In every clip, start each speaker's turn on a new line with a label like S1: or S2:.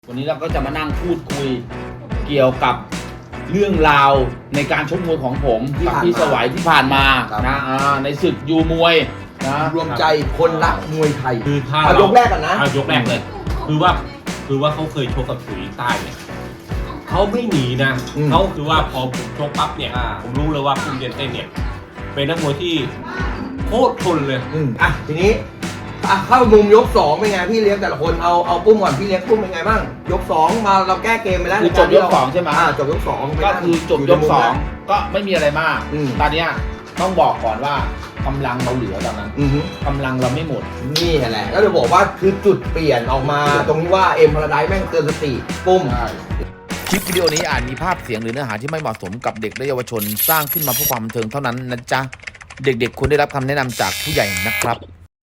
S1: วันนี้เราก็จะมานั่งพูดคุยเกี่ยวกับเรื่องราวในการชกมวยของผมกับพี่สวัยที่ผ่านมานะในศึกยูมวยนะ
S2: รวมใจคนรักมวยไทย
S3: คือถ้า
S2: เอายกแรกกันนะ
S3: ยกแรกเลยคือว่าเขาเคยชกกับถุยใต้เนี่ยเขาไม่หนีนะเขาคือว่าพอผมชกปั๊บเนี่ยผมรู้เลยว่าปุ้มเย็นเต้นเนี่ยเป็นนักมวยที่โคตรทนเลย
S2: ทีนี้เข้ามุมยก2เป็นไงพี่เลี้ยงแต่ละคนเอาปุ้มก่อนพี่เลี้ยงปุ้มเป็นไงบ้างยก2มาเราแก้เกมไปแล้ว
S1: จบยก2ใช่ไหม
S2: จบยก2
S1: ก็คือจบยก2ก็ไม่มีอะไรมากตอนนี้ต้องบอกก่อนว่ากำลังเราเหลือตอนนั้นกำลังเราไม่หมด
S2: นี่แหละก็จะบอกว่าคือจุดเปลี่ยนออกมาตรงที่ว่าเอ็มพาราไดซ์แม่งเตือนสติปุ้ม
S1: คลิปวิดีโอนี้อาจมีภาพเสียงหรือเนื้อหาที่ไม่เหมาะสมกับเด็กและเยาวชนสร้างขึ้นมาเพื่อความบันเทิงเท่านั้นนะจ๊ะเด็กๆควรได้รับคำแนะนำจากผู้ใหญ่นะครับ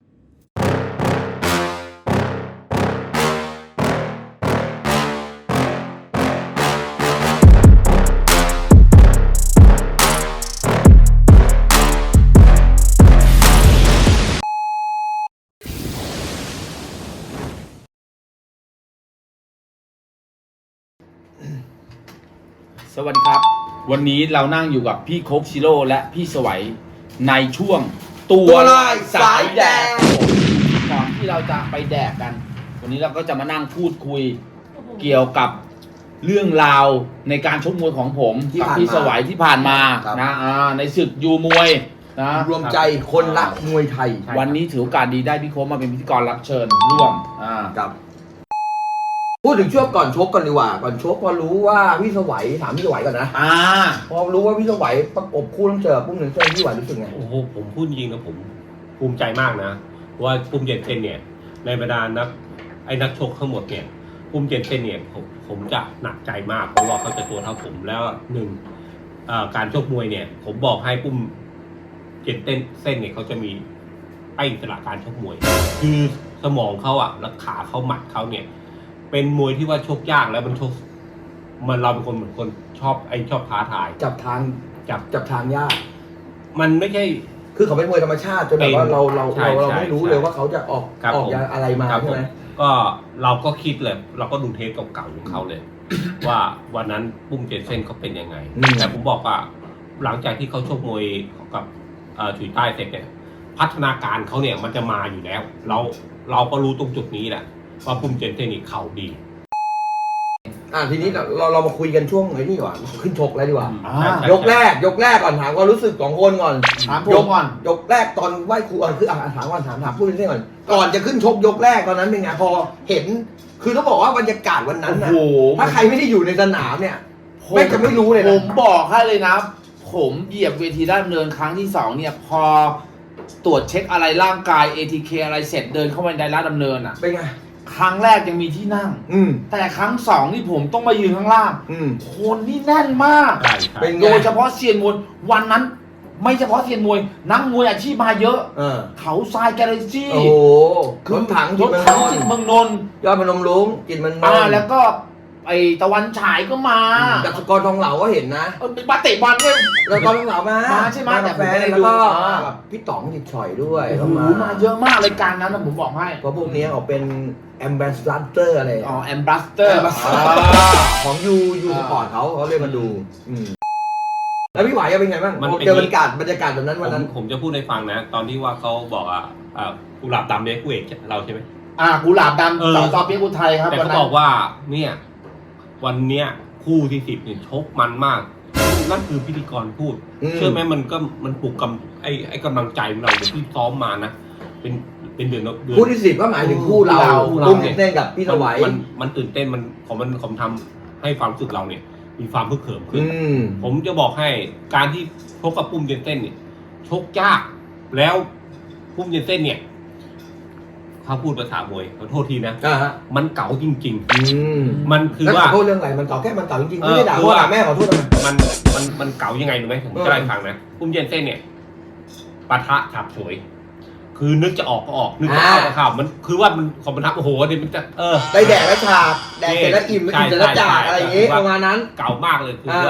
S1: สวัสดีครับวันนี้เรานั่งอยู่กับพี่โคกชิโร่และพี่สวัยในช่วงตัวลายสายแดงก่อนที่เราจะไปแดกกันวันนี้เราก็จะมานั่งพูดคุยเกี่ยวกับเรื่องราวในการชกมวยของผมกับพี่สวัยที่ผ่านมานะในศึกยูมวยนะ
S2: รวมใจคนรักมวยไทย
S1: วันนี้ถือโอกาสดีได้พี่โคกมาเป็นพิธีกรรับเชิญร่วม
S2: ครับพูดถึงช่วงก่อนชกกันดีกว่าก่อนชกพอรู้ว่าพี่สวัยถามพี่สวัยก่อนนะพอรู้ว่าพี่สวัยประกบคู่ต้องเจอปุ้มเย็นเต้นพี่สวัยรู้สึกไง
S3: โอ้โหผมพูดจริงนะผมภูมิใจมากนะว่าปุ้มเย็นเต้นเนี่ยในบรรดานักชกทั้งหมดเนี่ยปุ้มเย็นเต้นเนี่ยผมจะหนักใจมากเพราะว่าเขาจะตัวเท่าผมแล้วการชกมวยเนี่ยผมบอกให้ปุ้มเย็นเต้นเส้นเนี่ยเขาจะมีไอ้อิสระการชกมวยคือสมองเขาและขาเขาหมัดเขาเนี่ยเป็นมวยที่ว่าชกยากแล้วมันชกเราเป็นคนเหมือนคนชอบท้าทาย
S2: จับทางยาก
S3: มันไม่ใช่
S2: คือเขาเป็นมวยธรรมชาติจนแบบว่าเราไม่รู้เลยว่าเขาจะออกอะไรมาใช่ไหม
S3: ก็เราก็คิดเลยเราก็ดูเทปเก่าๆของเขาเลย ว่าวันนั้นปุ้มเจนเซ่นเขาเป็นยังไงแต่ผมบอกว่าหลังจากที่เขาชกมวยกับถุยใต้เสร็จเนี่ยพัฒนาการเขาเนี่ยมันจะมาอยู่แล้วเราก็รู้ตรงจุดนี้แหละว่าปุ้มเจนเซ่นนี่เข่าดี
S2: ทีนี้เรามาคุยกันช่วงไหนนี่ก่อนขึ้นชกแล้วดีกว่ายกแรกก่อนถามความรู้สึกของคนก่อน
S1: ถามผมก่อน
S2: ยกแรกตอนไหว้ครูคือถามพูดเรื่องก่อนจะขึ้นชกยกแรกตอนนั้นเป็นไงพอเห็นคือต้องบอกว่าบรรยากาศวันนั้นนะถ้าใครไม่ได้อยู่ในสนามเนี่ยไม่จะไม่รู้เลยนะ
S1: ผมบอกให้เลยนะผมเหยียบเวทีด้านเนินครั้งที่2เนี่ยพอตรวจเช็คอะไรร่างกาย ATK อะไรเสร็จเดินเข้าไปในร้านดำเนิน
S2: เป็นไง
S1: ครั้งแรกยังมีที่นั่งแต่ครั้ง2นี่ผมต้องมายืนข้างล่างคนนี่แน่นมากโดยเฉพาะเซียนมวยวันนั้นไม่เฉพาะเซียนมวยนักมวยอาชีพมาเยอะเขาทรายแกลเลซี่
S2: รถถัง
S1: จิตเมืองนนท์
S2: ยอดพนมรุ้งจิตเมืองนนท์
S1: แล้วก็ไอตะวันฉายก็มา
S2: จากสกอร์ทองเหลาก็เห็นนะ
S1: มาเตะบอลด้วย
S2: แล้วก็ทองเหลามา
S1: ใช่ไหมแต่
S2: แฟนแล้วก็พี่ต๋องจิตฉ่อยด้วย
S1: มาเยอะมากรายการนั้นนะผมบอกให้
S2: เพราะพวกนี้เขาเป็นแอมบาสเตอร์อะไร
S1: แอมบาสเตอร์
S2: ของยูสปอร์ตเขาเรียกมาดูแล้วพี่ไหวเป็นไงบ้างเจอบรรยากาศแบบนั้นวันนั้น
S3: ผมจะพูดให้ฟังนะตอนที่ว่าเขาบอกกุหลาบดำเนี่ยคู่เอกเราใช่ไหม
S1: กุหลาบดำต่อเปียกอุทัยครับ
S3: แต่เขาบอกว่าเนี่ยวันเนี้ยคู่ที่10เนี่ยชกมันมากนั่นคือพิธีกรพูดเชื่อไหมมันปลุกไอ้กำลังใจของเราที่ซ้อมมานะเป็นเดือน
S2: คู่ที่10ก็หมายถึงคู่เราตุ้มเต้นกับพี่สวัย
S3: มันตื่นเต้นผมทำให้ความรู้สึกเราเนี่ยมีความพึกเขิมขึ้นผมจะบอกให้การที่ชกกับปุ้มเย็นเต้นเนี่ยชกยากแล้วปุ้มเย็นเต้นเนี่ยเขาพูดภาษามวยขอโทษทีนะมันเก๋าจริงๆมันคือว่า
S2: ขอโทษเรื่องอะไรมันเก๋าแค่มันเก๋าจริงๆไม่ได้ด่าว่าแม่ขอโทษทำไม
S3: มันเก๋ายังไงรู้ไหมผมจะได้ฟังนะปุ้มเย็นเต้นเนี่ยปะทะฉับฉวยคือนึกจะออกก็ออกนึกจะเข้าก็เข้ามันคือว่ามันของมันทับโอ้โหเดี๋ยวมันจะ
S2: ได้แดกแล้วฉากแดกเสร็จแล้วอิ่มแล้วกินเสร็จแล้วจ่าอะไรอย่างงี้ประมาณนั้น
S3: เก๋ามากเลยคือว่า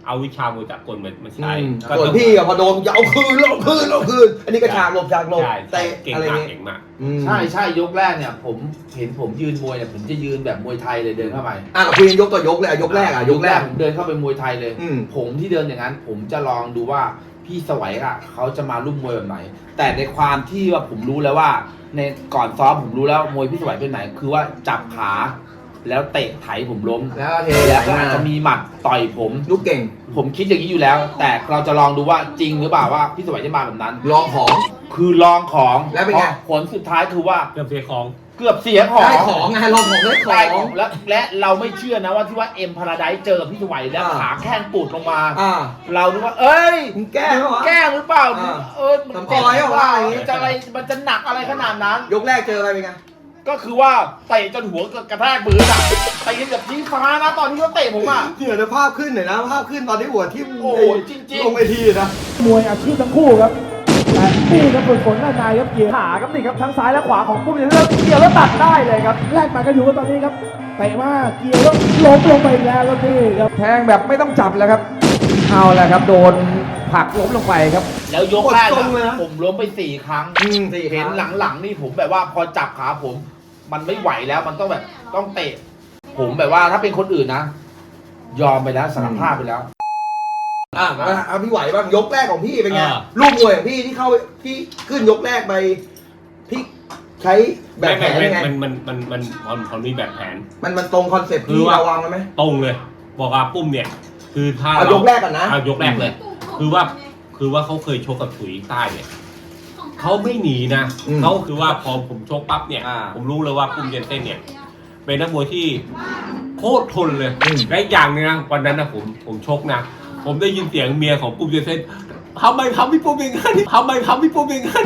S3: เอาวิชามวยสากลมาใช้
S2: ส่วนพี่อะพอโดนจะเอาคืนอันนี้ก็ฉากหลบ
S3: ใช่
S2: เตะ
S3: เก่ง
S2: อะไร
S3: มาก
S2: เงี้ย
S3: เก่งมาก
S1: ใช่ยกแรกเนี่ยผมเห็นผมยืนมวยเนี่ยผมจะยืนแบบมวยไทยเลยเดินเข้าไป
S2: เราคุยกันยกต่อยกเลยยกแรกยกแรก
S1: ผมเดินเข้าไปมวยไทยเลย
S2: อืม
S1: ผมที่เดินอย่างนั้น ผมจะลองดูว่าพี่สวัยอะเขาจะมาลุ่มมวยแบบไหน แต่ในความที่ว่าผมรู้แล้วว่าในก่อนซ้อมผมรู้แล้วมวยพี่สวัยเป็นไหน คือว่าจับขาแล้วเตะไถผมล้ม
S2: แล้วเท
S1: แล้วก็อาจจะมีหมัดต่อยผม
S2: ลูกเก่ง
S1: ผมคิดอย่างนี้อยู่แล้ว แต่เราจะลองดูว่าจริงหรือเปล่าว่าพี่สวัยจะมาแบบนั้น
S2: ลองของ
S1: คือลองของ
S2: แล้วเป็นไง
S1: ผลสุดท้ายคือว่า
S3: เกือบเสียของ
S1: เกือบเสียของ
S2: ได้ของไงลองของได้
S1: ได้
S2: ข
S1: ข
S2: อ
S1: อง งและเราไม่เชื่อนะว่าที่ว่าเอ็มพาราไดซ์เจอกับพี่สวัยแล้วขาแข้งปูดลงมา เราดูว่า เอ้ย
S2: มึงแก้ไหมวะ
S1: แกล้งหรือเปล่า
S2: ทำปล่อยเหรอวะ
S1: มันจะอะไรมันจะหนักอะไรขนาดนั้น
S2: ยกแรกเจออะไรเป็นไง
S1: ก็คือว่าเตะจนหัวกระแทกมือน่ะเตะแบบชี้ฟ้านะตอนที่เขาเตะผมอ่ะ
S2: เดี๋ยวภาพขึ้นหน่อยนะภาพขึ้นตอนที่หัวทิ่ม
S1: โอ้โหจริงๆ
S2: ลงไปทีนะ
S4: มวยอาชีพทั้งคู่ครับแต่นี่ครับฝึกฝนด้านในครับเกี่ยวขาครับนี่ครับทั้งซ้ายและขวาของปุ้มเลือกเกี่ยวแล้วตัดได้เลยครับแลกหมากันอยู่กันตอนนี้ครับเตะมาเกี่ยวแล้วล้มลงไปอีกแล้วครับนี่ครับแทงแบบไม่ต้องจับแล้วครับเอาแล้วครับโดนผลักล้มลงไปครับ
S1: แล้วยกแรก
S2: กดทรงเลยนะ
S1: ผมล้มไป4 ครั้ง
S2: 4
S1: เห็น
S2: ครั้ง
S1: หลังๆนี่ผมแบบว่าพอจับขาผม มันไม่ไหวแล้วมันต้องแบบต้องเตะ ผมแบบว่าถ้าเป็นคนอื่นนะ ยอมไปแล้วสารภาพไปแล้ว
S2: เอาพี่ไหวบ้างยกแรกของพี่เป็นไง
S3: อ่า
S2: ลูกมวยของพี่ที่เข้าที่ขึ้นยกแรกไปพี่ใช้แบบแผนยังไง
S3: มันมีแบบแผน
S2: มันตรงคอนเซ็ปต์
S3: คือ
S2: ที่
S3: ว่า
S2: เราวางไว้ไหม
S3: ตรงเลย บอกว่าปุ้มเนี่ย คือถ้า
S2: เอายกแรกก่อนนะ
S3: เอายกแรกเลย คือว่าเขาเคยชกกับถุยใต้เนี่ยเขาไม่หนีนะเขาคือว่าพอผมชกปั๊บเนี่ย ผมรู้เลยว่าปุ้มเย็นเต้นเนี่ย เป็นนักมวยที่โคตรทนเลยและอีกอย่างหนึงนะวันนั้นนะผมชกนะผมได้ยินเสียงเมียของปุ้มเย็นเต้นทำไมทำพี่ปุ้มอย่างนั้นทำไมทำพี่ปุ้มอย่างนั้น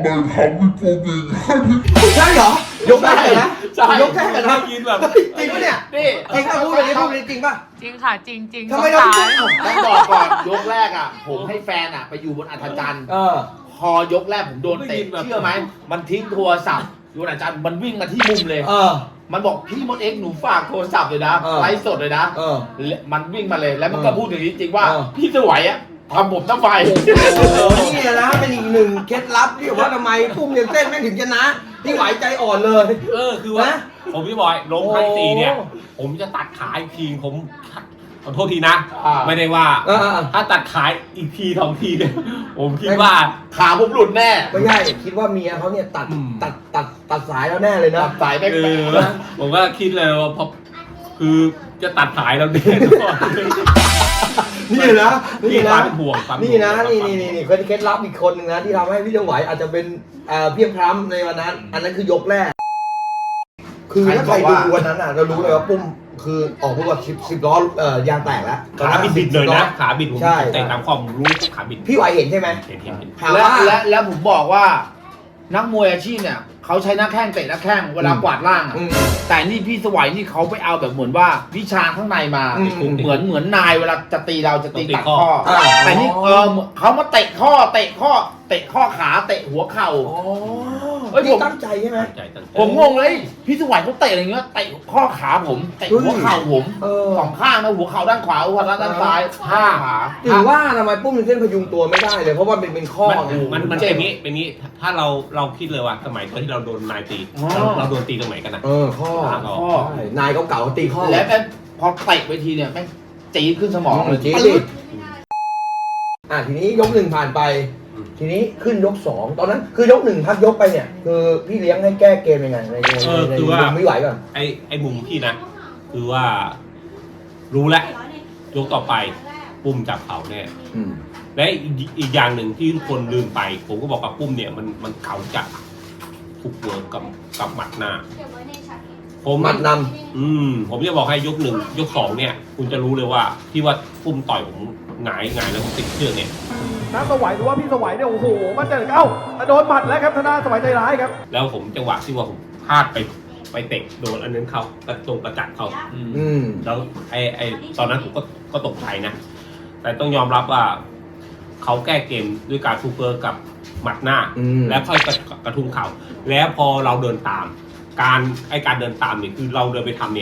S2: ใช่เหรอ ยกแรกเลยนะ
S3: ใช่
S2: ยกแรกเลยนะ
S3: ได้ยินแบบ
S2: จริงปะเนี่ย
S1: นี่
S2: จริงป่ะพูดเลยพูดเลยจริงป่ะ
S5: จริงค่ะจริงจริง
S2: ทำไมเรา
S5: สง
S2: ไม่
S5: สาร
S2: เอ้า
S1: ต้องบอกก่อนยกแรกอ่ะ ผมให้แฟนอ่ะ ไปอยู่บนอัธจันทร์ พอยกแรกผมโดนเตะเชื่อไหมมันทิ้งโทรศัพท์อยู่บนอัธจันทร์มันวิ่งมาที่มุมเลย มันบอกพี่มดเอ็กซ์หนูฝากโทรศัพท์เลยนะ ไลฟ์สดเลยนะมันวิ่งมาเลยแล้วมันก็พูดอย่างนี้จริงว่า พี่สวยอ่ะทำผมทำไม
S2: นี่นะเป็นอีกหนึ่งเคล็ดลับที่ว่าทำไมปุ้มเย็นเต้นแม่งถึงชนะที่ไหวใจอ่อนเลย
S3: คือว่า
S2: นะ
S3: ผมพี่บอยลงครั้งที่ 4เนี่ย
S2: โอ้
S3: ผมจะตัดขาอีกทีผมขอโทษทีนะ
S1: อ่า
S3: ไม่ได้ว่า
S2: อ่า
S3: ถ้าตัดขาอีกที2 ทีเนี่ยผมคิดว่า
S1: ขาผมหลุดแน่
S2: ไม่ใช่คิดว่าเมียเขาเนี่ยตัดสายแล้วแน่เลยนะ
S1: ตัดสายแม่ง
S3: ผมก็คิดเลยว่าพอคือจะตัดสายเราแน่นอน
S2: นี่นะ
S3: ที่
S2: นี่
S3: ควา
S2: นะ
S3: มห่วงความ
S2: นี่นะนี่เคล็ดลับอีกคนหนึ่งนะที่ทำให้พี่จังไหวอาจจะเป็นเพียงพร้ำในวันนั้น อันนั้นคือยกแรก คือถ้าใครดูวันนั้นอ่ะเรารู้เลยว่าปุ้มคือออกพวก10 ล้อยางแตกแล้ว
S3: ขาบิดเลยนะขาบิดผม
S2: ใช่
S3: แต่ตามความรู้ขาบิด
S2: พี่ไหวเห็นใช่ไหม
S3: เห็น
S2: ถาม
S1: และ
S2: ว่า
S1: และผมบอกว่า นักมวยอาชีพเนี่ยเขาใช้หน้าแข้งเตะหน้าแข้งเวลากวาดล่างอะ แต่นี่พี่สวัยนี่เขาไปเอาแบบเหมือนว่าวิชาข้างในมา เหมือนนายเวลาจะตีเราจะตีตัดข้อ แต่นี่เขามาเตะข้อเตะข้อขาเตะหัวเข่า เอ้ย
S2: พี่ตั้งใจใช่ไหม
S1: ผมงงเลยพี่สวัยเขาเตะอะไรเงี้ยเตะข้อขาผมเตะหัวเข่าผม 2 ข้างนะหัวเข่าด้านขวาหัวเข่าด้านซ้าย5 ขา
S2: ถือว่าทำไมปุ้มถึงเส้นพยุงตัวไม่ได้เลยเพราะว่าเป็นข้อไง
S3: มันเป็นงี้ถ้าเราคิดเลยว่าสมัยตอนที่เราโดนนายตีเราโดนตีตรงไหนกันนะ
S2: ข้อ
S1: ข้อ
S2: ใช่นายเก่าๆตีข้อ
S1: แล้วพอเตะไปทีเนี่ยแม่งจี๊ดขึ้นสมองเลย
S2: จี๊ด
S1: ปึ๊ด
S2: ทีนี้ยก 1ผ่านไป ทีนี้ขึ้นยก 2ตอนนั้นคือยก 1พักยกไปเนี่ยคือพี่เลี้ยงให้แก้เกมยังไงใน
S3: คือว่า
S2: ไม่ไหวก่อน
S3: ไอ้มุมพี่นะ คือว่ารู้แล้วยกต่อไปปุ้มจับเขาแน่และอีกอย่างหนึ่งที่ทุกคนลืมไป ผมก็บอกกับปุ้มเนี่ยมันเขาจะถูกเวิร์กกับหมัดหน้าผม
S2: หมัดน
S3: ผมจะบอกให้ยก 1 ยก 2เนี่ย คุณจะรู้เลยว่าที่ว่าปุ้มต่อยผมหงายแล้วผมติดเชือกเนี่ย
S4: น้าสวัยหรือว่าพี่สวัยเนี่ยโอ้โหมันจะเอ้าโดนหมัดแล้วครับธนาสวัยใจร้ายครับ
S3: แล้วผมจังหวะที่ว่าผมพลาดไปเตะโดนอันนั้นเขากระตรงกระจัดเขา แล้วไอ้ตอนนั้นผมก็ตกใจนะ แต่ต้องยอมรับว่าเขาแก้เกมด้วยการทูเปอร์กับหมัดหน้า แล้วค่อยกระทุ้งเข่าแล้วพอเราเดินตามการเดินตามเนี่ยคือเราเดินไปทำเนี่ย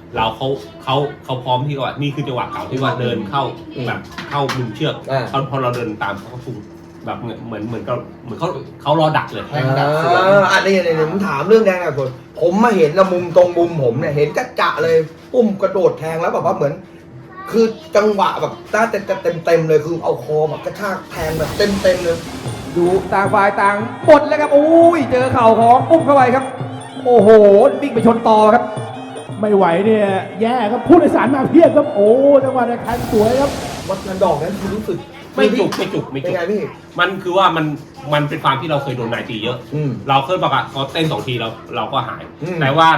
S3: เขาพร้อมที่ว่านี่คือจังหวะเก่าที่ว่าเดินเข้าแบบเข้ามุมเชือกพอเราเดินตามเขาพุ่งแบบเหมือนเขารอดักเลย
S2: อันนี้ผมถามเรื่องแดงกับคนผมมาเห็นนะมุมตรงมุมผมเนี่ยเห็นจะเลยปุ้มกระโดดแทงแล้วแบบว่าเหมือน คือจังหวะแบบน่าจะเต็มเลยคือเอาคอแบบกระชากแทงแบบเต็มเลย
S4: ดูต่างฝ่ายต่างหมดแล้วครับโอ้ยเจอเข่าของปุ้มเข้าไปครับโอ้โหวิ่งไปชนต่อครับไม่ไหวเนี่ยแย่ครับผู้โดยสารมาเพียบครับโอ้จังหวะในคันสวยครับ
S2: วัดนันดอกนั้นคือรู้สึก
S3: ไม่จุก
S2: เป็นไงพี่
S3: มันคือว่ามันเป็นความที่เราเคยโดนนายตีเยอะ เราเคยบอกว่าพอเต้น2 ทีเราก็หาย แต่ว่า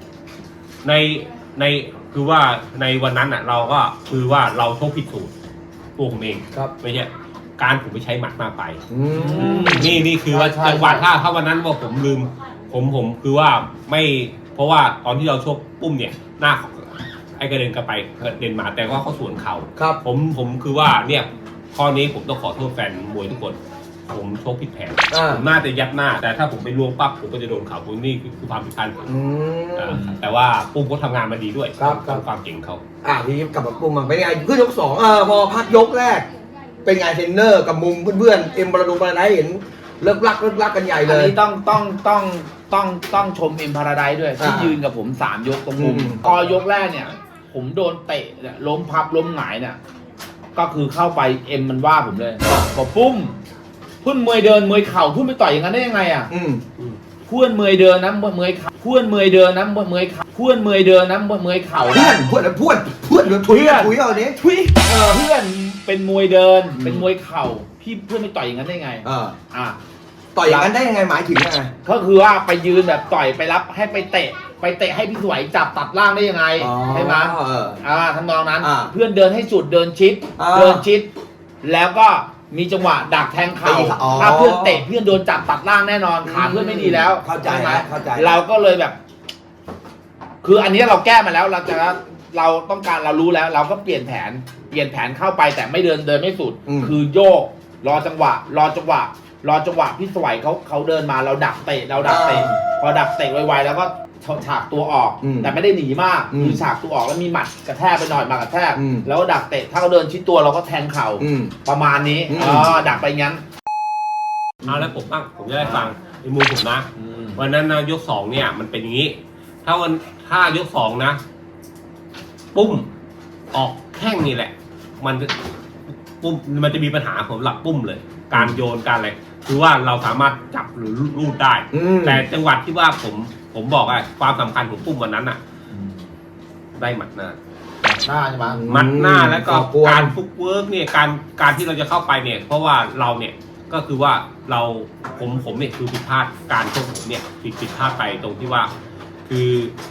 S3: ในคือว่าในวันนั้นอ่ะเราก็คือว่าเราโชคผิดสูตรตัวผมเอง
S2: ครับ
S3: ไม่ใช่การผมไปใช้หมัดมากไปนี่คือว่าจังหวะถ้าวันนั้นว่าผมลืมผมคือว่าไม่เพราะว่าตอนที่เราโชคปุ้มเนี่ยหน้าไอ้กระเด็นกลับไปกระเด็นมาแต่ว่าเขาสวนเข่า
S2: ครับ
S3: ผมคือว่าเนี่ยข้อนี้ผมต้องขอโทษแฟนมวยทุกคน ผมโชคผิดแผนผมน่าจะยัดหน้า แต่ถ้าผมไปลวงปั๊บผมก็จะโดนเข่าผมนี่คือความผิดพลาดผมแต่ว่าปุ้มก็ทำงานมาดีด้วยความเก่งเขา
S2: ทีนี้กลับมาปุ้มมันเป็นไงขึ้นยก2พอพักยกแรก เป็นไงเทรนเนอร์กับมุมเพื่อนๆเอ็มบราดูบาราไดเห็นเลิกลักกันใหญ่เลย
S1: อันนี้ต้องชมเอ็มพาราไดด้วยที่ยืนกับผม3 ยกตรงมุมพอยกแรกเนี่ย ผมโดนเตะเนี่ยล้มพับล้มหงายเนี่ยก็คือเข้าไปเอ็มมันว่าผมเลยบอกปุ้มเพื่อนมวยเดินมวยเข่าเพื่อนไปต่อยอย่างนั้นได้ยังไงอ่ะเพื่อนมวยเดินนะมวยเข่าเพื่อนมวยเดินนะมวยเข่าเพื่อนมวยเดินนะมวยเข่า
S2: เพื่อนถุยเอาเนี้ย
S1: เพื่อนเป็นมวยเดินเป็นมวยเข่าพี่เพื่อนไปต่อยอย่างนั้นได้ไง
S2: ต่อยอย่างนั้นได้ยังไงหมายถึงยังไง
S1: ก็คือว่าไปยืนแบบต่อยไปรับให้ไปเตะให้พี่สวยจับตัดล่างได้ยังไงใช่ไหมทำนองนั้นเพื่อนเดินให้สุดเดินชิดแล้วก็มีจังหวะดักแทงเข่าถ้าเพื่อนเตะเพื่อนโดนจับตัดล่างแน่นอนขาเพื่อนไม่ดีแล้ว
S2: เข้าใจไหม
S1: เราก็เลยแบบ คืออันนี้เราแก้มาแล้วเราต้องการเรารู้แล้ว เราก็เปลี่ยนแผนเข้าไปแต่ไม่เดินไม่สุดคือโยกรอจังหวะพี่สวยเขาเดินมาเราดักเตะพอดักเตะไวๆแล้วก็ฉากตัวออกแต่ไม่ได้หนีมากคือฉากตัวออกแล้วมีหมัดกระแทกไปหน่อยมากระแทกแล้วก็ดักเตะถ้าเขาเดินชิดตัวเราก็แทงเข่าประมาณนี้ดักไปงั้น
S3: แล้วผมจะได้ฟังในมุมผมนะวันนั้นนะยก2เนี่ยมันเป็นอย่างนี้ถ้ายก2นะปุ้มออกแข้งนี่แหละมันจะมีปัญหาผมหลับปุ้มเลยการโยนการอะไรคือว่าเราสามารถจับหรือลูดได้แต่จังหวัดที่ว่าผมบอกความสำคัญของปุ้มวันนั้นได้หมัดหน้า
S1: ใช่ไหม
S3: หมัดหน้าแล้วก็การฟุกเวิร์กเนี่ยการที่เราจะเข้าไปเนี่ยเพราะว่าเราเนี่ยก็คือว่าผมเนี่ยคือผิดพลาดการชกผมเนี่ยผิดพลาดไปตรงที่ว่าคือ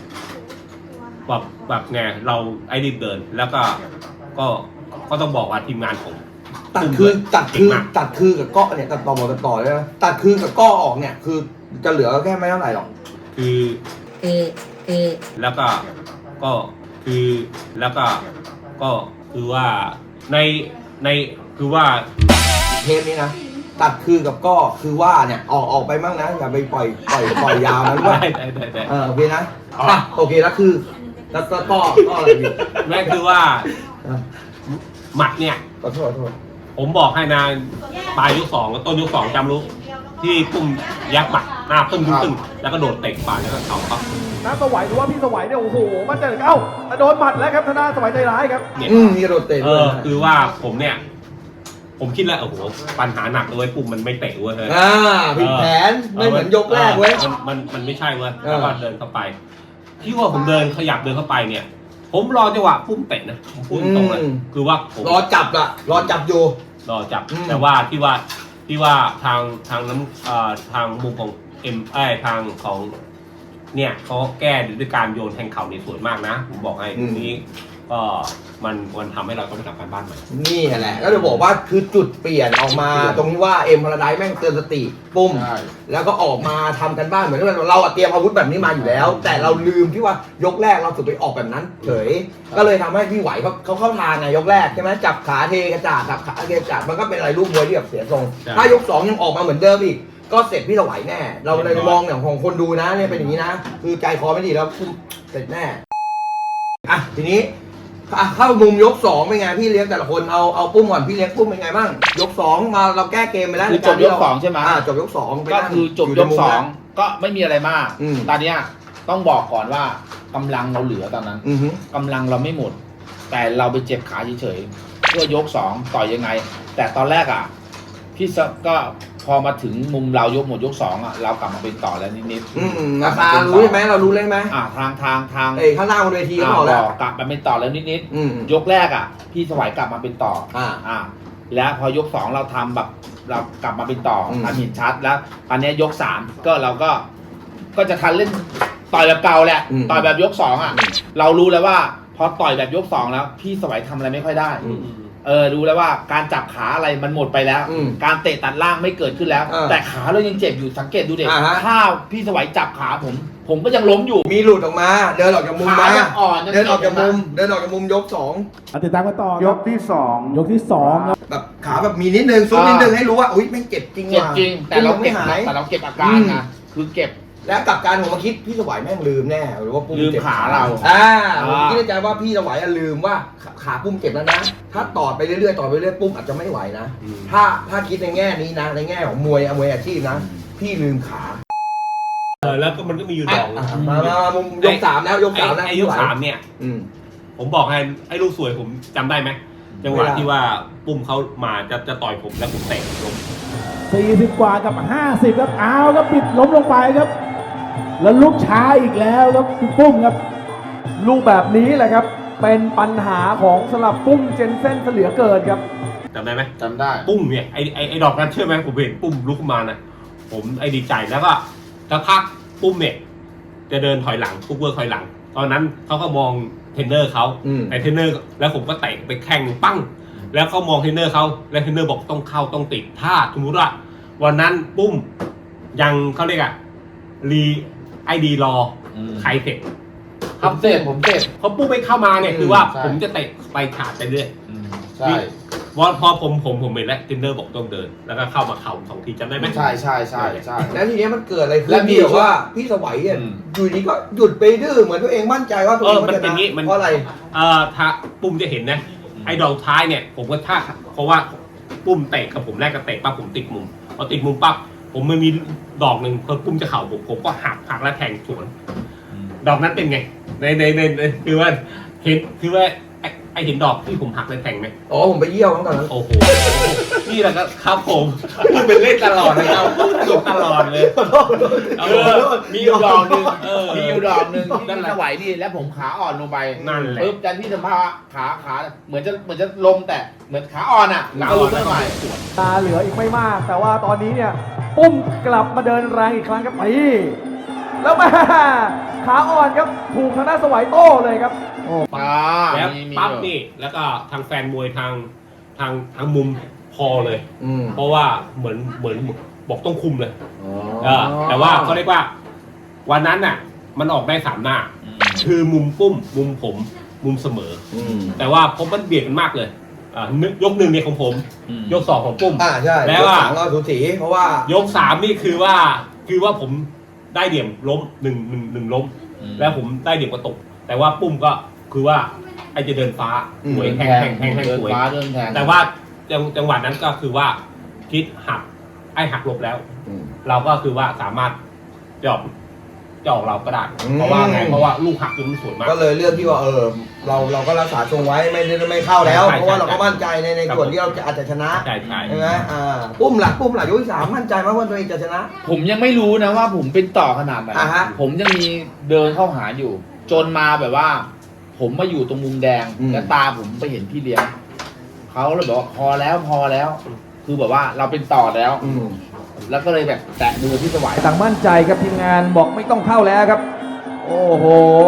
S3: แบบไงเราไอ้รีบเดินแล้วก็ต้องบอกว่าทีมงานผม
S2: ตัดคือกับก้อเนี่ยตัดต่อเลยนะตัดคือกับก้อออกเนี่ยคือจะเหลือแค่ไม่เท่าไหร่หรอก
S3: คือแล้วก็คือแล้วก็คือว่าในคือว่า
S2: เทปนี้นะตัดคือกับก้อคือว่าเนี่ยออกไปมั่งนะอย่าไปปล่อยยาวนะด้วยโอเคนะโอเคแล้วคือแล้วก็อะไรอยู่
S3: นั่นคือว่าหมัดเนี่ย
S2: ขอโทษ
S3: ผมบอกให้นายปลายยก2กับต้นยก2จำรู้ที่ปุ้มยักหมัดหน้าตึ้งแล้วก็โดดเตะป่าแล้วก็เข่าครับ
S4: น้าสวัยดูว่าพี่สวัยเนี่ยโอ้โหมันจะโดนหมัดแล้วครับธนาสวัยใจร้ายครับ
S2: นี่โดดเตะ
S3: คือว่าผมเนี่ยผมคิดแล้วโอ้โหปัญหาหนักเลยปุ้มมันไม่เตะเว้ย
S2: ผิดแผนไม่เหมือนยกแรกเว้ย
S3: มันไม่ใช่เว้ยแล้วก็เดินเข้าไปที่ว่าผมขยับเดินเข้าไปเนี่ยผมรอจังหวะปุ้มเตะนะปุ้มตรงเลยคือว่าผม
S2: รอจับอยู่
S3: รอจับแต่ว่าที่ว่าทางมุมของทางของเนี่ยเขาแก้ด้วยการโยนแทงเข่าในสวยมากนะผมบอกให้ตรงนี้ก็มันทำให้เราต้องไปทำการบ้านใหม่
S2: นี่แหละก็จะบอกว่าคือจุดเปลี่ยนออกมาตรงที่ว่าเอ็มพาราไดซ์แม่งเตือนสติปุ้มแล้วก็ออกมาทำกันบ้านเหมือนกันเราเตรียมอาวุธแบบนี้มาอยู่แล้วแต่เราลืมที่ว่ายกแรกเราสุดไปออกแบบนั้นเฉยก็เลยทำให้พี่ไหวเขาเข้าทางไงยกแรกใช่ไหมจับขาเทกระจาดจับขาเทกระจาดมันก็เป็นอะไรรูปมวยที่แบบเสียทรงถ้ายก2ยังออกมาเหมือนเดิมอีกก็เสร็จพี่ไหวแน่เราเลยมองอย่างของคนดูนะเนี่ยเป็นอย่างนี้นะคือใจคอไม่ดีแล้วเสร็จแน่อ่ะทีนี้เข้ามุมยก2เป็นไงพี่เลี้ยงแต่ละคนเอาปุ้มก่อนพี่เลี้ยงปุ้มเป็นไงบ้างยก2มาเราแก้เกมไปแล้ว
S1: คือจบยก2ใช่ไหม
S2: จบยก2ไป
S1: ก็
S2: นั่ง
S1: คือจบยก2ก็ไม่มีอะไรมาก
S2: อืม
S1: ตอนเนี้ยต้องบอกก่อนว่ากำลังเราเหลือตอนนั้น
S2: อือฮึ
S1: กำลังเราไม่หมด แต่เราไปเจ็บขาเฉยๆเพื่อยก2ต่อยยังไง แต่ตอนแรกอ่ะพี่ก็พอมาถึงมุมเรายกหมดยก2อ่ะเรากลับมาเป็นต่อแล้วนิด
S2: ราคารู้ใช่ไหมเรารู้เลยไหม
S1: ทาง
S2: ข้างหน้าบนเวทีเขาบอกแล้ว
S1: กลับมาเป็นต่อแล้วนิด
S2: อืม
S1: ยกแรกอ่ะพี่สวัยกลับมาเป็นต่อ แล้วพอยก2เราทำแบบเรากลับมาเป็นต่อทำเห็นชัดแล้วตอนนี้ยก3ก็เราก็จะทันเล่นต่อยแบบเก่าแหละต่อยแบบยก2อ่ะเรารู้แล้วว่าพอต่อยแบบยก2แล้วพี่สวัยทำอะไรไม่ค่อยได้รู้แล้วว่าการจับขาอะไรมันหมดไปแล้ว การเตะตัดล่างไม่เกิดขึ้นแล้ว แต่ขาเรายังเจ็บอยู่สังเกตดูเด็กถ้าพี่สวัยจับขาผมก็ยังล้มอยู่
S2: มีหลุดออกมาเดินออกจากมุม
S1: ขา
S2: มา
S1: ยังอ่อน
S2: เดินออกจากมุมยก2
S4: ติดตามกันต่อยกที่2ยกที่2ครับ
S2: แบบขาแบบมีนิดนึงซุดนิดนึงให้รู้ว่าอุ้ยไม่เจ็บจริง
S1: เจ็บ
S2: ว่ะ
S1: จริงแต่เรา
S2: ไม่
S1: เก็บ
S2: หาย
S1: แต่เราเก็บอาการนะคือเก็บ
S2: แล้วกับการผมมาคิดพี่สวัยแม่งลืมแน่หรือว่าปุ้ม
S1: ลืม
S2: เจ็บ
S1: ขาเรา
S2: ผมคิดในใจว่าพี่สวัยลืมว่าขาปุ้มเจ็บแล้วนะถ้าต่อไปเรื่อยๆปุ้มอาจจะไม่ไหวนะถ้าคิดในแง่นี้นะในแง่ของมวยอาชีพนะพี่ลืมขา
S3: แล้วก็มันก็มีอยู่ดอก
S2: มามุมยก3แล้วยก3แล้ว
S3: ไอ้ยก3เนี่ยผมบอกให้ไอ้ลูกสวยผมจำได้ไหมจังหวะที่ว่าปุ้มเขามาจะต่อยผมแล้วผมเตะล้ม
S4: 40 กว่ากับ 50 ครับเอาครับปิดล้มลงไปครับ แล้วลุกช้าอีกแล้วครับคุณปุ้มครับลูกแบบนี้แหละครับ เป็นปัญหาของสลับปุ้มเจนเซ่นเหลือเกินครับ
S3: จำได้ไหม
S1: จำได้
S3: ปุ้มเนี่ยไอ้ดอกนั้นเชื่อไหมผมเห็นปุ้มลุกขึ้นมานะผมดีใจแล้วก็สักพักปุ้มเนี่ยจะเดินถอยหลังทุกเวอร์ถอยหลัง ตอนนั้นเขาก็มองเทรนเนอร์เขาแต่เทรนเนอร์แล้วผมก็เตะไปแข้งปั้งแล้วเขามองเทรนเนอร์เขาแล้วเทรนเนอร์บอกต้องเข้าต้องติดถ้าสมมติว่าวันนั้นปุ้มยังเขาเรียกอะไอดีรอใครเสร็จ
S1: ผมเจ็บ
S3: พอปุ้มไม่เข้ามาเนี่ยคือว่า
S1: ใช่
S3: ผมจะเตะไปขาดไปเรื่อย
S1: ใช่
S3: พอผมเห็นแล้วเทรนเนอร์บอกต้องเดิน แล้วก็เข้ามาเข่า2 ทีจำได้ไหม
S1: ใช่
S2: แล้วทีนี้มันเกิดอะไรขึ้
S1: แล้
S2: น
S1: วมี
S2: พี่บอกว่าพี่สวัยอ่ะอยู่ดีก็หยุดไปดื้อเหมือนตัวเองมั่นใจว่าตัวเอง
S3: มันเป็นอย่างงี้มัน
S2: เพราะอะไร
S3: ถ้าปุ้มจะเห็นนะไอ้ดอกท้ายเนี่ยผมก็ท่าเพราะว่าปุ้มเตะกับผมแรกก็เตะปั๊บผมติดมุมพอติดมุมปั๊บผมมันมีดอกหนึ่งพอปุ้มจะเข่าผมก็หักแล้วแทงสวนดอกนั้นเป็นไงในคือว่าเห็นคือว่าไอเห็นดอกที่ผมหักแล้วแทงไหม
S2: อ๋อผมไปเยี่ยวตั้งแต่นั้น
S3: โอ้โหนี่แหละครับผมพูดเป็นเล่นตลอดนะครับพูดสนุกตลอดเลย
S1: มีอยู่ดอกหนึ่งมีอยู่ดอกหนึ่งที่พี่สวัยนี่แล้วผมขาอ่อนลงไป
S3: นั่นแหละ
S1: ปึ๊บจันพี่สัมภาระขาเหมือนจะลงแต่เหมือนขาอ่อนอ่ะแล้วก็ลุกขึ้นมาใหม่
S4: ตาเหลืออีกไม่มาก แต่ว่าตอนนี้เนี่ยปุ้มกลับมาเดินแรงอีกครั้งครับตีแล้วมาขาอ่อนครับถูกทางด้านสวัยโต้เลยครับ
S3: แล้ว
S1: มี
S3: ปั๊บนี่แล้วก็ทางแฟนมวยทางมุมพอเลย
S2: อืม
S3: เพราะว่าเหมือนบอกต้องคุมเลยแต่ว่าเขาเรียกว่าวันนั้นน่ะมันออกได้3 หน้า คือมุมปุ้มมุมผมมุมเสมอ แต่ว่าผมมันเบียดกันมากเลยยก 1เนี่ยของผมยก 2ของปุ้ม
S2: ใช่
S3: แล้ว
S2: ยก3ก็สูสีเพราะว่าย
S3: ก 3นี่คือว่าผมได้เหลี่ยมล้มหนึ่งล้ม แล้วผมได้เหลี่ยมกระตกแต่ว่าปุ้มก็คือว่าไอจะเดินฟ้าสวยแทงสวย
S1: เดินแทง
S3: แต่ว่าจังหวะนั้นก็คือว่าคิดหักหลบแล้ว เราก็คือว่าสามารถจะออกเราก็ได้เพราะว่าลูกหักจนมันสวยมาก
S2: ก็เลยเลือกที่ว่าเราก็รักษาทรงไว้ไม่เข้าแล้วเพราะว่าเราก็มั่นใจในส่วนที่เราอาจจะชนะ
S3: ใช่
S2: ใช่ไหมปุ้มหลักยกที่3มั่นใจมากว่าตัวเองจะชนะ
S1: ผมยังไม่รู้นะว่าผมเป็นต่อขนาดไหน ผมยังมีเดินเข้าหาอยู่ จนมาแบบว่า ผมมาอยู่ตรงมุมแดงแล้วตาผมไปเห็นพี่เลี้ยงเขาเลยบอกว่าพอแล้ว คือแบบว่าเราเป็นต่อแล้วแล้วก็เลยแบบแตะมือพี่สวัย
S4: ต่างมั่นใจครับทีมงานบอกไม่ต้องเข้าแล้วครับ โอ้โห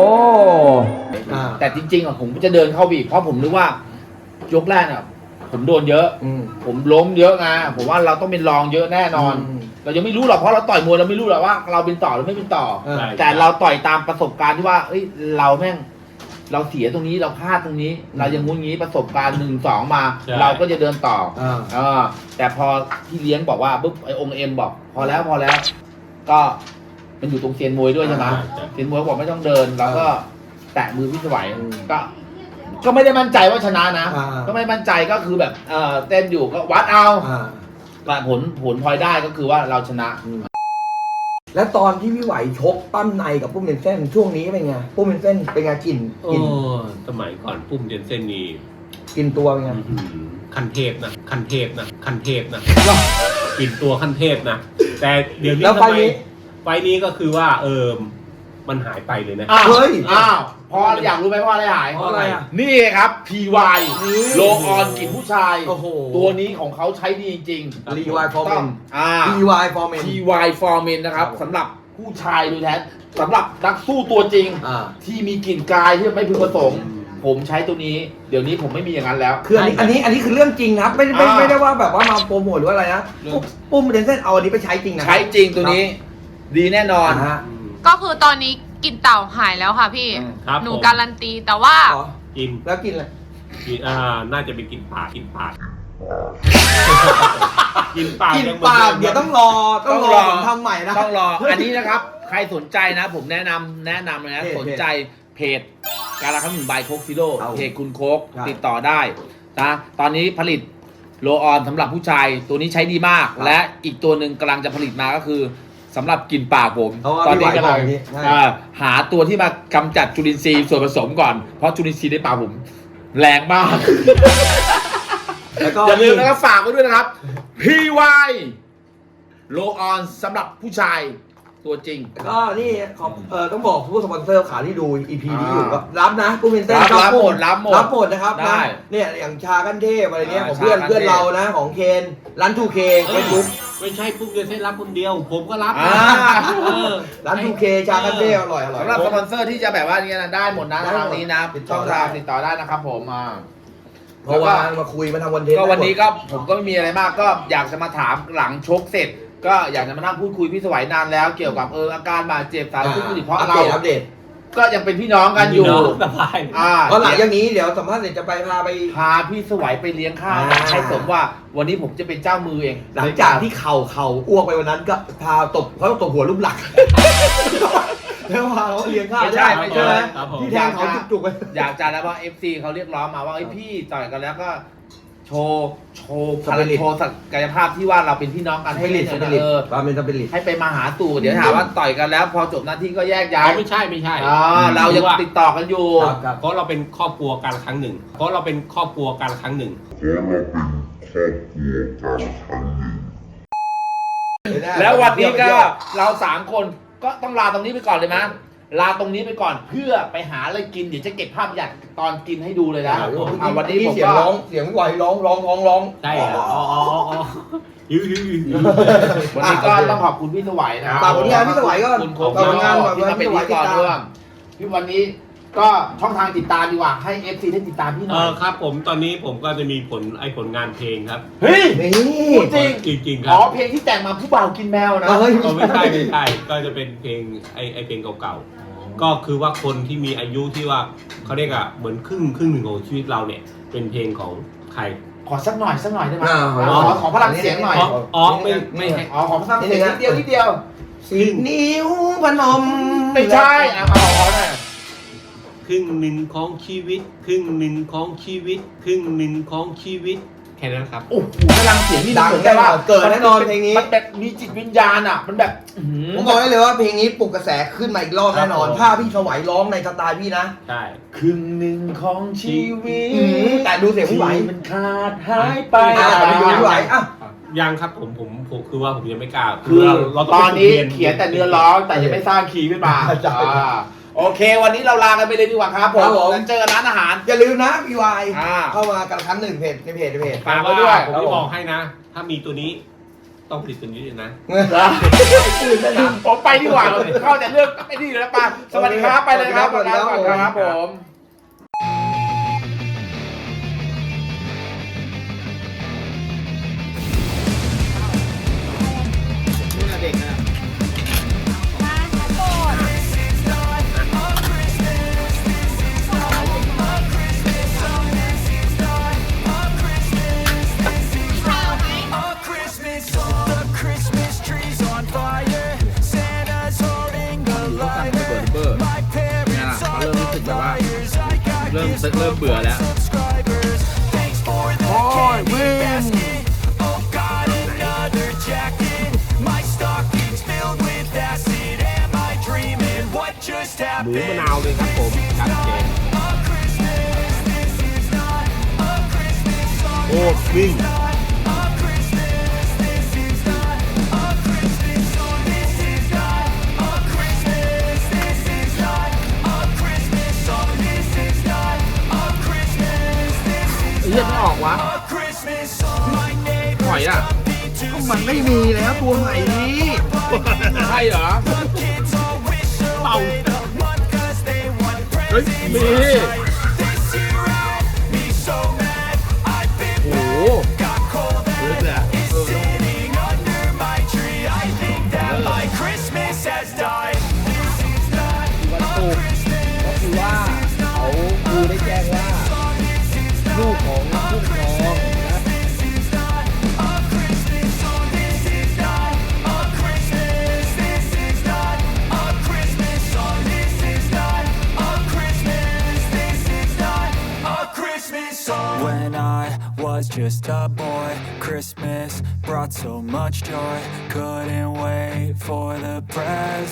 S1: แต่จริงๆอ่ะผมจะเดินเข้าบีบเพราะผมนึกว่ายกแรกอ่ะผมโดนเยอะผมล้มเยอะไงผมว่าเราต้องเป็นรองเยอะแน่นอน เรายังไม่รู้หรอกเพราะเราต่อยมวยเราไม่รู้หรอกว่าเราเป็นต่อหรือไม่เป็นต่อ แต่เราต่อยตามประสบการณ์ที่ว่าเอ้ยเราแม่งเราเสียตรงนี้เราพลาดตรงนี้ เรายังงุ้นงี้ประสบการณ์1-2มา เราก็จะเดินต่อแต่พอพี่เลี้ยงบอกว่าปุ๊บไอองค์เอ็มบอกพอแล้วก็มันอยู่ตรงเซียนมวยด้วยใช่ไหมเซียนมวยบอกไม่ต้องเดินเราก็แตะมือพี่สวัยก็ไม่ได้มั่นใจว่าชนะนะ
S2: อ่า
S1: ก็ไม่มั่นใจก็คือแบบเต้นอยู่ก็วัดเอา
S2: อ่า
S1: ผลพลอยได้ก็คือว่าเราชนะ
S2: แล้วตอนที่พี่ไหวชกปั้มในกับปุ้มเป็นเส้นช่วงนี้เป็นไงปุ้มเป็นเส้นเป็นไงกลิ่น
S3: โอ้สมัยก่อนปุ้มเจนเซ่นนี่
S2: กลิ่นตัวเป็นไง
S3: ขั้นเทพนะขั้นเทพนะขั้นเทพนะกินตัวขั้นเทพนะแต่เดี๋ยวนี้
S2: แล้ว
S3: ทำ
S2: ไฟ
S3: ไม
S2: นี้
S3: ไฟนี้ก็คือว่ามันหายไปเลยนะ
S2: เฮ้ย
S1: พออยากรู้ไหมเพราะอะไรหาย
S2: เพราะอะไรอ่ะ
S1: นี่ครับ PY
S2: นี่
S1: โลออนกลิ่นผู้ชาย
S2: โอ้โห
S1: ตัวนี้ของเขาใช้ดีจริง
S2: รีไวฟอร์เมน
S1: PY
S2: PY ฟอร์เมน
S1: PY Foreman นะครับสำหรับผู้ชายโดยแท้สำหรับนักสู้ตัวจริง ที่มีกลิ่นกายที่ไม่พึงประสงค์ผมใช้ตัวนี้ เดี๋ยวนี้ผมไม่มีอย่างนั้นแล้ว
S2: คืออันนี้คือเรื่องจริงครับไม่ได้ว่าแบบว่ามาโปรโมทหรือว่าอะไรนะปุ้มเป็นเส้นเอาอันนี้ไปใช้จริงนะ
S1: ใช้จริงตัวนี้ ดีแน่นอน
S2: ฮะ
S5: ก็คือตอนนี้กลินเต่าหายแล้วค่ะพี่
S3: ครับ
S5: หนู
S3: ผม
S5: การันตีแต่ว่า
S2: อ๋อ
S3: กิน
S2: แล้วกินอะไร
S3: กินน่าจะเป็นกินปากกินปากกินปาก
S2: กิน
S3: ยังหมือ
S2: ปาก
S3: ดิม
S2: เดี๋ยวต้องรอผมทำใหม่นะ
S1: ต้องรอ อันนี้นะครับ ใครสนใจนะ ผมแนะนำเลยนะ
S2: เพจ
S1: สนใจเพจการละครั้งหนึ่งใบโคกซิโร่
S2: เอา
S1: เพจคุณโคก
S2: ครับ
S1: ติดต่อได้นะตอนนี้ผลิตโลออนสำหรับผู้ชายตัวนี้ใช้ดีมาก
S2: ครับ
S1: และอีกตัวหนึ่งกำลังจะผลิตมาก็คือสำหรับกลินปากผม
S2: เพราะว่า
S1: ตอนนี้
S2: พี่
S1: กำ
S2: ไหว
S1: ลัง
S2: บอกอย่างนี้ใช่
S1: หาตัวที่มากำจัดจุลินทรีย์ส่วนผสมก่อนเพราะจุลินทรีย์ในปากผมแรงมาก
S2: แล้วก็
S1: อย่าลืมนะครับฝากไว้ด้วยนะครับ PY โลออนสำหรับผู้ชายตัวจริง
S2: ก็นี่ต้องบอกผู้สปอนเซอร์ขาที่ดู EP นี้อยู่ก็รับนะปุ้มเป็นเส้น
S1: รับหมด
S2: รับหมดนะครับ
S1: ได้
S2: นะเนี่ยอย่างชากันเทพอะไรเงี้ย
S1: อ่า
S2: ของเพื่อน
S1: ชากันเทพ
S2: เพื่อนเรานะของเคนร้าน 2K เฟซบุ๊ก
S3: ไม่ใช่ปุ้มเจนเซ่นรับคนเดียว ผมก็รับ
S1: อ่า
S2: ร้าน 2K ชากันเทพอร่อย
S1: สำหรับสปอนเซอร์ที่จะแบบว่านี้นะได้หมดนะ
S2: ได้หมด
S1: ทางนี้นะ
S2: ติดต่
S1: ช่
S2: อ
S1: อง
S2: ได้
S1: ทางติดต่อได้นะครับผม
S2: เพราะว่ามาคุยมาทำวันเทน
S1: ก็วันนี้ก็ผมก็ไม่มีอะไรมากก็อยากจะมาถามหลังชกเสร็จ ก็อยากจะมานั่งพูดคุยพี่สวัยนานแล้วเกี่ยวกับอาการบาดเจ็บสารพัดเพราะเรา
S2: อัปเดต
S1: ก็ยังเป็นพี่น้องกันอยู่
S3: สบาย
S2: เพราะหลังจากนี้เดี๋ยวสัมภาษณ์เสร็จจะไปพาไป
S1: พาพี่สวัยไปเลี้ยงข้าว ให้สมว่าวันนี้ผมจะเป็นเจ้ามือเอง
S2: หลังจากที่เข่าอ้วกไปวันนั้นก็พาตบเขาตบหัวรูปหลักแล้วพาเขาเลี้ยงข้าว
S1: ไม่ใช่
S2: ใช่ไหม
S3: ครับผม
S2: ที่แทงเขาจุกๆไป
S1: อยากจะแล้วว่า FC เขาเรียกร้องมาว่าพี่ต่อยกันแล้วก็โชว์พลัง
S2: Spirit
S1: โชว์ศักยภาพที่ว่าเราเป็นพี่น้องกัน
S2: ให้ลิด
S1: ให้
S2: ส
S1: เล่น
S2: ปิริต
S1: เออ
S2: ความเป็นสปิริต
S1: ให้ไปมาหาตู่เดี๋ยวถามว่าต่อยกันแล้ว พอจบหน้าที่ก็แยกย้าย
S3: ไม่ใช่ไม่ใช่
S1: เรายังติดต่อกันอยู่
S2: ครับ
S3: เพราะเราเป็นครอบครัวกันครั้งหนึ่ง
S1: แล้ววันนี้ก็เรา3คนก็ต้องลาตรงนี้ไปก่อนเลยมั้ยลาตรงนี้ไปก่อนเพื่อไปหาอะไรกินเดี๋ยวจะเก็บภาพอย่างตอนกินให้ดูเลยนะ วันนี้ผม
S2: เสียง
S1: ก็
S2: ร้องเสียงไหวร้อง
S3: ใช่เหรออ๋อหิว
S1: วันนี้ก็ต้องขอบคุณพี่สวัยนะ
S2: ฝากผลงานพี่สวัยก็
S1: คุณโค
S2: ฝากผลงาน
S1: ที่มาเป็นพิธีกรด้วยพี่วันนี้ก็ช่องทางติดตามดีกว่าให้ FC ได้ติดตามพี่หน่อย
S3: ครับผมตอนนี้ผมก็จะมีผลงานเพลงครับ
S1: เฮ้ย
S2: นี่
S1: พูดจริง
S3: จริงๆค
S1: อ๋
S3: รั
S1: อบ เพลงที่แต่งมาผู้บ่าวกินแมวนะ
S2: เฮ้ย
S3: ไม่ใช่ก็จะเป็นเพลงเพลงเก่าๆก็คือว่าคนที่มีอายุที่ว่าเขาเรียกอะเหมือนครึ่งหนึ่งของชีวิตเราเนี่ยเป็นเพลงของใคร
S1: ขอสักหน่อยได้ไหม
S2: า
S1: ขอพลังเสียงหน่อย
S3: ไม่ให้
S1: ขอพลังเสียงนิดเดียว
S2: 10 นิ้วพนม
S1: ไม่ใช่เอาหน่อย
S3: ครึ่งหนึ่งของชีวิตครึ่งหนึ่งของชีวิตครึ่งหนึ่งของชีวิตแค่นั้นครับ
S1: โอ้โหพลังเสียงนี่
S2: ดังแน่นอนเกิดแน่นอนเพลงนี้
S1: มันแบบมีจิตวิญญาณอ่ะมันแบบ
S2: ผมบอกได้เลยว่าเพลงนี้ปลุกกระแสขึ้นมาอีกรอบแน่นอน
S3: ครับผม
S2: ถ้าพี่สวัยร้องในสไตล์พี่นะ
S3: ใช่
S1: ครึ่งหนึ่งของชีวิต
S2: แต่ดูเสียงพี่ไหว
S1: ที่มันขาดหายไป
S2: ไปดูพี่ไหวอ่ะ
S3: ยังครับผมคือว่าผมยังไม่กล้า
S1: คือ
S3: เรา
S1: ตอนนี้
S3: ฝึก
S1: เขียนแต่เนื้อร้องแต่ยังไม่สร้างคีย์ขึ้นมา
S2: ใช่
S1: โอเค วันนี้เราลากันไปเลยดีกว่าครับผม
S2: ครับผม
S1: แล้วเจอกันร้านอาหาร
S2: อย่าลืมนะพี่วาย
S1: อ่า
S2: เข้ามากันครั้งหนึ่งเพจในเพจ
S1: ฝากไว้ด้วย
S3: ผมจะบอกให้นะ ถ้ามีตัวนี้ต้องผลิตตัวนี้เลยนะ
S1: ผมไปดีกว่าเข้าแต่เรื่องไอ้นี่อยู่แล้วป่ะสวัสดีครับไปเลยครับ
S2: สวัสดีครับ
S1: ก่อนครับผมเด็กนะ
S6: Christmas trees on fire. Santa's holding the lighter. My parents
S1: เขาเริ่มรู้สึกแบบว่าเริ่มเบื่อแล้ว
S6: subscribers. Thanks for the candy basket. Oh God, another jacket. My stocking's filled with acid. Am I dreaming? What just
S3: หมูมะ
S6: happened?
S3: นาวเลยครับผมชัดเจน
S6: A Christmas. This is not a Christmas song.
S3: โอ้วิ่ง
S6: A Christmas. This is not a Christmas song. This is not a Christmas. This is not a Christmas song. This is not a Christmas. This is
S1: เฮียไม่ออกวะ
S6: a Christmas song. My neighbors
S1: หอยอ่ะ
S2: มันไม่มีแล้วตัวใหม่นี้
S1: ใช่เหรอ
S6: kids all wish away the month 'cause they want
S1: เฮ้ย
S6: presents
S1: มี
S6: this year had me so mad. I've been
S1: โอ้โห
S6: got cold and is sitting under my tree. I think that my Christmas has died. This is not a Christmas.
S2: ก็คือว่าเขาครูได้แจ้งว่าลูกของผู้ปกครองนะ
S6: This is not a Christmas song. This is not a Christmas. This is not a Christmas song. This is not a Christmas. This is not a Christmas song. When I was just a boy, Christmas brought so much joy. Couldn't wait for the presents.